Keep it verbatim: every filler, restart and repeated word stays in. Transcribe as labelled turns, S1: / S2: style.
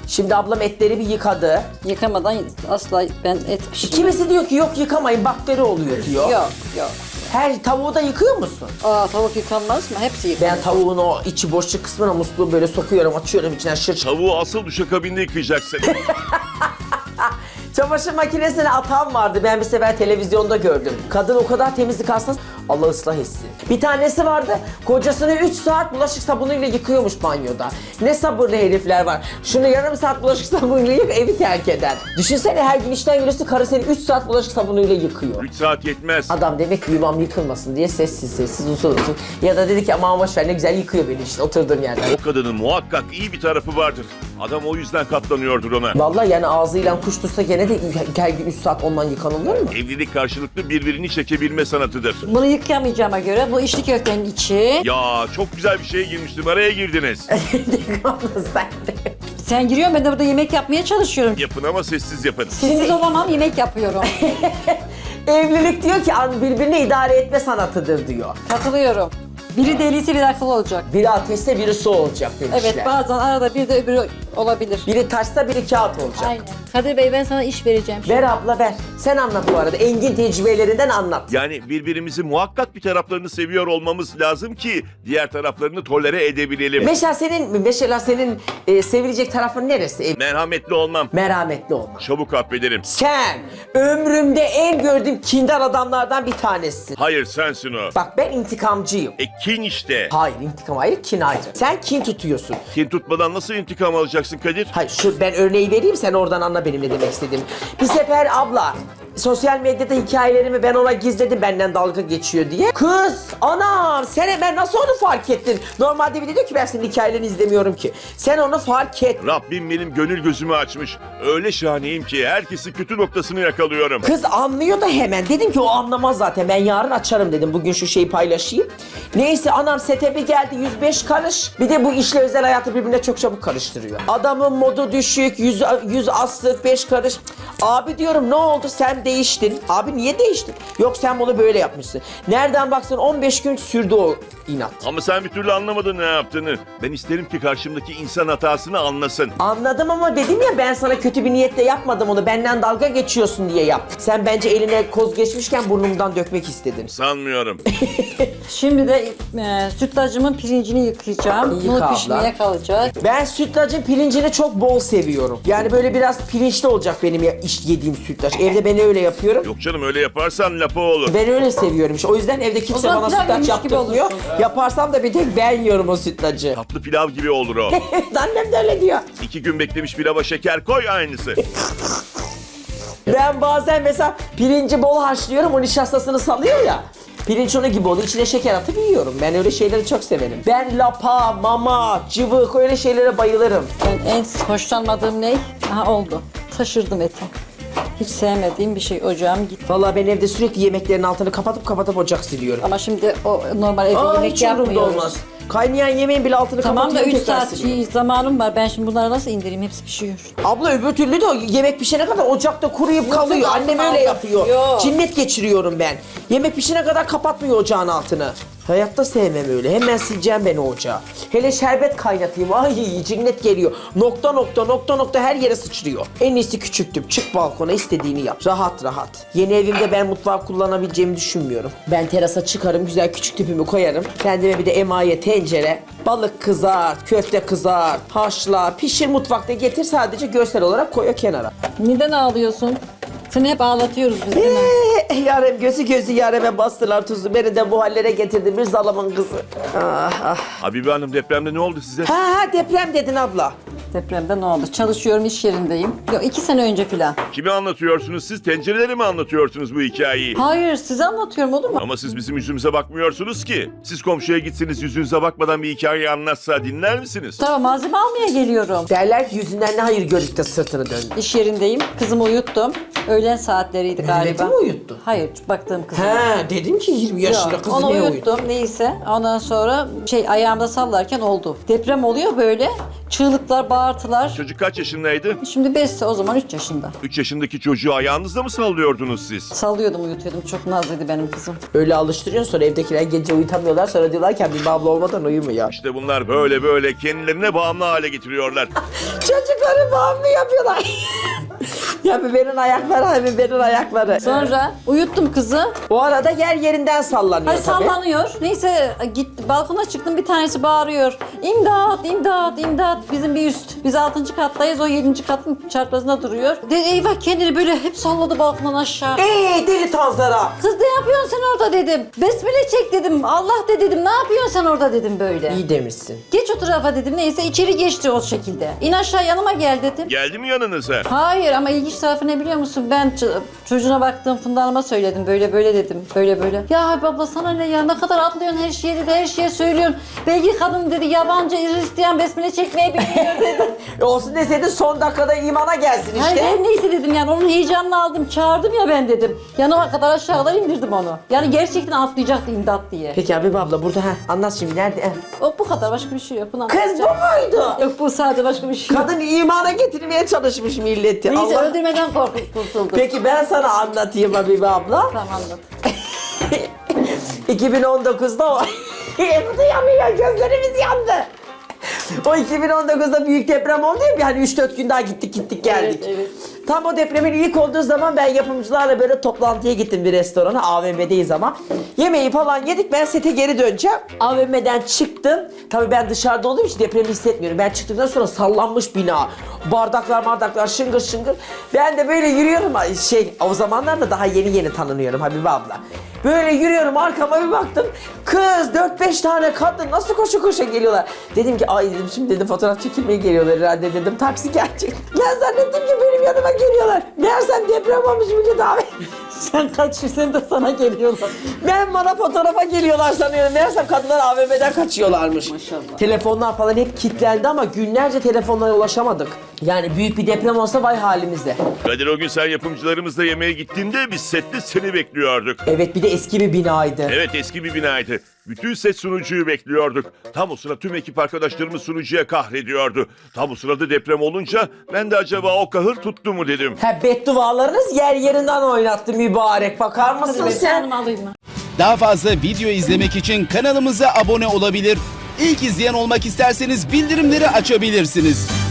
S1: Şimdi ablam etleri bir yıkadı.
S2: Yıkamadan asla ben et pişirmem.
S1: Kimisi diyor ki yok yıkamayın bakteri oluyor diyor.
S2: Yok yok.
S1: Her tavuğu da yıkıyor musun?
S2: Aa tavuk yıkanmaz mı? Hepsi yıkanır.
S1: Ben tavuğun o içi boşluk kısmına musluğu böyle sokuyorum, açıyorum içinden şır.
S3: Tavuğu asıl duşakabinde yıkayacaksın.
S1: Çamaşır makinesine atan vardı. Ben bir sefer televizyonda gördüm. Kadın o kadar temizlik hastası. Allah ıslah etsin. Bir tanesi vardı. Kocasını üç saat bulaşık sabunuyla yıkıyormuş banyoda. Ne sabırlı herifler var. Şunu yarım saat bulaşık sabunuyla yık, evi terk eder. Düşünsene her gün işten geliyorsun, karı seni üç saat bulaşık sabunuyla yıkıyor.
S3: üç saat yetmez.
S1: Adam demek ki yuvam yıkılmasın diye sessiz sessiz usul usul. Ya da dedi ki aman boşver ne güzel yıkıyor beni işte oturduğum yerden.
S3: O kadının muhakkak iyi bir tarafı vardır. Adam o yüzden katlanıyordur ona.
S1: Vallahi yani ağzıyla kuş tutsa gene de her gün üç saat ondan yıkanılır mı?
S3: Evlilik karşılıklı birbirini çekebilme sanatıdır.
S2: Bunu yıkayamayacağıma göre bu içli köftenin içi.
S3: Ya çok güzel bir şeye girmiştim. Araya girdiniz.
S2: Sen giriyorsun, ben de burada yemek yapmaya çalışıyorum.
S3: Yapın ama sessiz yapın.
S2: Sessiz olamam, yemek yapıyorum.
S1: Evlilik diyor ki birbirini idare etme sanatıdır diyor.
S2: Katılıyorum. Biri deliyse biri akıllı olacak.
S1: Biri ateşse biri su olacak demişler.
S2: Evet, bazen arada bir de öbürü olabilir.
S1: Biri taşsa biri kağıt olacak.
S2: Aynen. Kadir Bey, ben sana iş vereceğim şimdi.
S1: Ver abla ver. Sen anlat bu arada. Engin tecrübelerinden anlat.
S3: Yani birbirimizi muhakkak bir taraflarını seviyor olmamız lazım ki diğer taraflarını tolere edebilelim.
S1: Mesela senin mesela senin e, sevilecek tarafın neresi? E,
S3: Merhametli olmam.
S1: merhametli olmak.
S3: Çabuk affederim.
S1: Sen ömrümde en gördüğüm kindar adamlardan bir tanesisin.
S3: Hayır sensin o.
S1: Bak ben intikamcıyım.
S3: E kin işte.
S1: Hayır intikam ayrı, kin ayrı. Sen kin tutuyorsun.
S3: Kin tutmadan nasıl intikam alacaksın Kadir?
S1: Hayır şu ben örneği vereyim sen oradan anla benim ne demek istediğimi. Bir sefer abla sosyal medyada hikayelerimi ben ona gizledim benden dalga geçiyor diye. Kız anam sen hemen nasıl onu fark ettin? Normalde bir de diyor ki ben senin hikayelerini izlemiyorum ki. Sen onu fark et.
S3: Rabbim benim gönül gözümü açmış. Öyle şahaneyim ki herkesi kötü noktasını yakalıyorum.
S1: Kız anlıyor da hemen. Dedim ki o anlamaz zaten. Ben yarın açarım dedim. Bugün şu şeyi paylaşayım. Neyse anam sete bir geldi yüz beş karış. Bir de bu işle özel hayatı birbirine çok çabuk karıştırıyor. Adamın modu düşük, yüz, yüz aslık, beş karış. Abi diyorum ne oldu sen değiştin. Abi niye değiştin? Yok sen bunu böyle yapmışsın. Nereden baksan on beş gün sürdü o inat.
S3: Ama sen bir türlü anlamadın ne yaptığını. Ben isterim ki karşımdaki insan hatasını anlasın.
S1: Anladım ama dedim ya ben sana kötü bir niyetle yapmadım onu. Benden dalga geçiyorsun diye yap. Sen bence eline koz geçmişken burnumdan dökmek istedin.
S3: Sanmıyorum.
S2: Şimdi de e, sütlacımın pirincini yıkayacağım.
S1: Yıka
S2: Bu
S1: abla.
S2: pişmeye kalacak.
S1: Ben sütlacın pirincini çok bol seviyorum. Yani böyle biraz pirinçli olacak benim ya, iş yediğim sütlaç. Evde ben öyle yapıyorum.
S3: Yok canım öyle yaparsan lapa olur.
S1: Ben öyle seviyorum işte. O yüzden evde
S2: O
S1: kimse
S2: zaman
S1: bana
S2: pilav
S1: sütlaç
S2: yemiş gibi
S1: yaptırmıyor.
S2: olursun.
S1: Yaparsam da bir tek ben yiyorum o sütlacı.
S3: Tatlı pilav gibi olur o.
S1: Annem de öyle diyor.
S3: İki gün beklemiş pilava şeker koy aynısı.
S1: Ben bazen mesela pirinci bol haşlıyorum, o nişastasını salıyor ya. Pirinç onu gibi oluyor. İçine şeker atıp yiyorum. Ben öyle şeyleri çok severim. Ben lapa, mama, cıvık öyle şeylere bayılırım.
S2: Ben en hoşlanmadığım ne? Aha oldu. Taşırdım eti. Hiç sevmediğim bir şey, ocağım gitti.
S1: Vallahi ben evde sürekli yemeklerin altını kapatıp kapatıp ocak siliyorum.
S2: Ama şimdi o normal evde
S1: Aa,
S2: yemek
S1: hiç umurumda
S2: yapmıyoruz.
S1: olmaz. Kaynayan yemeğin bile altını
S2: Tamam da
S1: kapatıyorum
S2: üç
S1: tekrar
S2: saat
S1: siliyorum.
S2: şey, zamanım var. Ben şimdi bunları nasıl indireyim? Hepsi pişiyor.
S1: Abla öbür türlü de o yemek pişene kadar ocakta kuruyup kalıyor.
S2: yok,
S1: Annem
S2: yok.
S1: öyle yapıyor.
S2: Yok.
S1: Cinnet geçiriyorum ben. Yemek pişene kadar kapatmıyor ocağın altını. Hayatta sevmem öyle. Hemen sileceğim ben o ocağı. Hele şerbet kaynatayım. Ay cinnet geliyor. Nokta nokta nokta nokta her yere sıçrıyor. En iyisi küçüktüm. Çık balkona istediğini yap. Rahat rahat. Yeni evimde ben mutfağı kullanabileceğimi düşünmüyorum. Ben terasa çıkarım. Güzel küçük tüpümü koyarım. Kendime bir de emaye tencere. Balık kızart, köfte kızart, haşla, pişir mutfakta getir sadece görsel olarak koy o kenara.
S2: Neden ağlıyorsun? Seni hep ağlatıyoruz biz değil mi?
S1: Eee yarem gözü gözü yareme bastılar tuzu. Beni de bu hallere getirdi bir zalamın kızı. Ah ah.
S3: Habibe Hanım depremde ne oldu size?
S1: Ha ha deprem dedin abla.
S2: Depremde ne oldu? Çalışıyorum, iş yerindeyim. Yok, iki sene önce filan.
S3: Kimi anlatıyorsunuz siz? Tencereleri mi anlatıyorsunuz bu hikayeyi?
S2: Hayır, size anlatıyorum olur mu?
S3: Ama siz bizim yüzümüze bakmıyorsunuz ki. Siz komşuya gitsiniz yüzünüze bakmadan bir hikaye anlatsa dinler misiniz?
S2: Tamam, malzeme almaya geliyorum.
S1: Derler ki yüzünden ne hayır gördük de sırtını döndü.
S2: İş yerindeyim. Kızımı uyuttum. Öğlen saatleriydi galiba.
S1: Mehmet'i mi uyuttun?
S2: Hayır, baktığım kızım.
S1: He dedim ki yirmi yaşında
S2: Yok,
S1: kızı
S2: onu
S1: niye
S2: uyuttum
S1: uyuttun?
S2: neyse. Ondan sonra şey ayağımda sallarken oldu. Deprem oluyor böyle. Çığlıklar, bağırtılar.
S3: Çocuk kaç yaşındaydı?
S2: Şimdi beşse o zaman üç yaşında.
S3: üç yaşındaki çocuğu ayağınızda mı sallıyordunuz siz?
S2: Sallıyordum, uyutuyordum. Çok nazlıydı benim kızım.
S1: Öyle alıştırıyorsun sonra evdekiler gece uyutamıyorlar sonra diyorlar ki bir abla olmadan uyumuyor.
S3: İşte bunlar böyle böyle kendilerine bağımlı hale getiriyorlar.
S1: Çocukları bağımlı yapıyorlar. Ya biberin ayakları, ha biberin ayakları.
S2: Sonra uyuttum kızı.
S1: O arada yer yerinden sallanıyor
S2: Ay
S1: tabii.
S2: sallanıyor. Neyse git balkona çıktım, bir tanesi bağırıyor. İmdat, imdat, imdat. Bizim bir üst. Biz altıncı kattayız. O yedinci katın çarpazında duruyor. De, eyvah kendini böyle hep salladı balkondan aşağı.
S1: Eee deli tanzara.
S2: Kız ne yapıyorsun sen orada dedim. Besmele çek dedim. Allah de dedim. Ne yapıyorsun sen orada dedim böyle.
S1: İyi demişsin.
S2: Geç o tarafa dedim. Neyse içeri geçti o şekilde. İn aşağı yanıma gel dedim.
S3: Geldi mi yanınıza?
S2: Hayır ama ilginç tarafı ne biliyor musun? Ben ç- çocuğuna baktığım Funda Hanım'a söyledim. Böyle böyle dedim. Böyle böyle. Ya Habib abla sana ne ya? Ne kadar atlıyorsun her şeye dedi. Her şeye söylüyorsun. Belki kadın dedi yabancı Hristiyan besmele çekmeyi bilmiyor dedi.
S1: E olsun deseydin son dakikada imana gelsin işte.
S2: Hayır her neyse dedim yani onun heyecanını aldım. Çağırdım ya ben dedim. Yanıma kadar aşağılar indirdim onu. Yani gerçekten atlayacaktı imdat diye.
S1: Peki Habib abla burada ha anlat şimdi nerede? Heh.
S2: O bu kadar başka bir şey yok. Bunu
S1: Kız bu
S2: anlatacağım.
S1: muydu?
S2: Yok bu sadece başka bir şey yok.
S1: Kadın imana getirmeye çalışmış milleti.
S2: Neyse
S1: Allah-
S2: öldürmeden korkup kurtuldum.
S1: Peki ben sana anlatayım Habib abla.
S2: Tamam anlat.
S1: iki bin on dokuzda o... Bu da yanıyor, gözlerimiz yandı. O iki bin on dokuzda büyük deprem oldu ya, hani üç dört gün daha gittik gittik geldik.
S2: Evet, evet.
S1: Tam o depremin ilk olduğu zaman ben yapımcılarla böyle toplantıya gittim bir restorana, A V M'deyiz ama. Yemeği falan yedik, ben sete geri döneceğim. A V M'den çıktım. Tabii ben dışarıda olduğum için depremi hissetmiyorum. Ben çıktıktan sonra sallanmış bina. Bardaklar bardaklar şıngır şıngır. Ben de böyle yürüyorum, şey o zamanlar da daha yeni yeni tanınıyorum Habibe abla. Böyle yürüyorum, arkama bir baktım. Kız dört beş tane kadın nasıl koşu koşu geliyorlar. Dedim ki ay dedim şimdi dedim fotoğraf çekilmeye geliyorlar herhalde dedim. Taksi gelecek. Ben zannettim ki benim yanıma geliyorlar. Meğersem deprem olmuş bugün abi.
S2: Sen kaçıyor, sen de sana geliyorlar.
S1: Ben bana fotoğrafa geliyorlar sanıyorum. Meğersem kadınlar A V M'den kaçıyorlarmış.
S2: Maşallah.
S1: Telefonlar falan hep kilitlendi ama günlerce telefonlara ulaşamadık. Yani büyük bir deprem olsa vay halimize.
S3: Kadir o gün sen yapımcılarımızla yemeğe gittiğinde biz sette seni bekliyorduk.
S1: Evet bir de eski bir binaydı.
S3: Evet eski bir binaydı. Bütün set sunucuyu bekliyorduk. Tam o sıra tüm ekip arkadaşlarımız sunucuya kahrediyordu. Tam o sırada deprem olunca ben de acaba o kahır tuttu mu dedim.
S1: Ha beddualarınız yer yerinden oynattı mübarek. Bakar mısın
S2: Hadi
S1: sen?
S2: sen alayım mı?
S4: Daha fazla video izlemek için kanalımıza abone olabilir. İlk izleyen olmak isterseniz bildirimleri açabilirsiniz.